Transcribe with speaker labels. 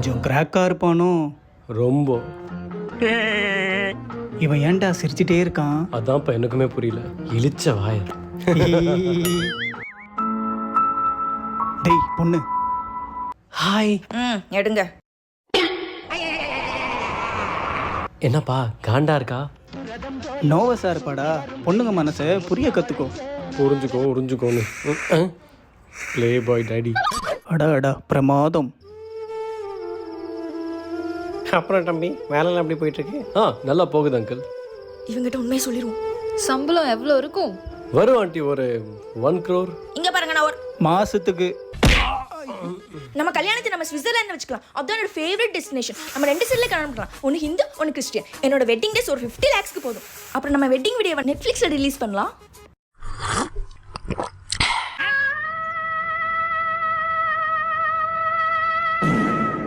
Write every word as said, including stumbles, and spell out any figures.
Speaker 1: கொஞ்சம் கிராக்கா இருப்பானோ?
Speaker 2: ரொம்ப.
Speaker 1: இவன் ஏன்டா சிரிச்சிட்டே இருக்கான்?
Speaker 2: அதான்ப்பா எனக்குமே புரியல. இழிச்ச வாய.
Speaker 1: டேய் பொண்ணு.
Speaker 2: ஹாய்.
Speaker 3: ம் எடுங்க.
Speaker 2: என்னப்பா காண்டா இருக்கா?
Speaker 1: நோவஸா இருப்பாடா. பொண்ணுங்க மனசை புரிய கத்துக்கோ.
Speaker 2: புரிஞ்சுக்கோ உறிஞ்சுக்கோன்னு. Play bye daddy.
Speaker 1: அடா அடா பிரமாதம்.
Speaker 2: அப்புறம் தம்பி வேலைலாம் எப்படி போயிட்டு இருக்கு? ஆ நல்லா போகுது அங்கிள்.
Speaker 3: இவங்கிட்ட உண்மையை சொல்லிடுவோம்.
Speaker 4: சம்பளம் எவ்வளோ இருக்கும்?
Speaker 2: வரும் ஆண்டி ஒரு ஒன் க்ரோர்.
Speaker 3: இங்க பாருங்க, நான் ஒரு
Speaker 1: மாசத்துக்கு.
Speaker 3: நம்ம கல்யாணத்தை நம்ம ஸ்விட்சர்லாந்து வச்சுக்கலாம். அதான் என்னோட ஃபேவரட் டெஸ்டினேஷன். நம்ம ரெண்டு சைட்ல கல்யாணம் பண்ணலாம். ஒன்று ஹிந்து ஒன்று கிறிஸ்டியன். என்னோட வெட்டிங் டேஸ் ஒரு ஃபிஃப்டி லேக்ஸ்க்கு போதும். அப்புறம் நம்ம வெட்டிங் வீடியோவை நெட்ஃப்ளிக்ஸில் ரிலீஸ் பண்ணலாம்.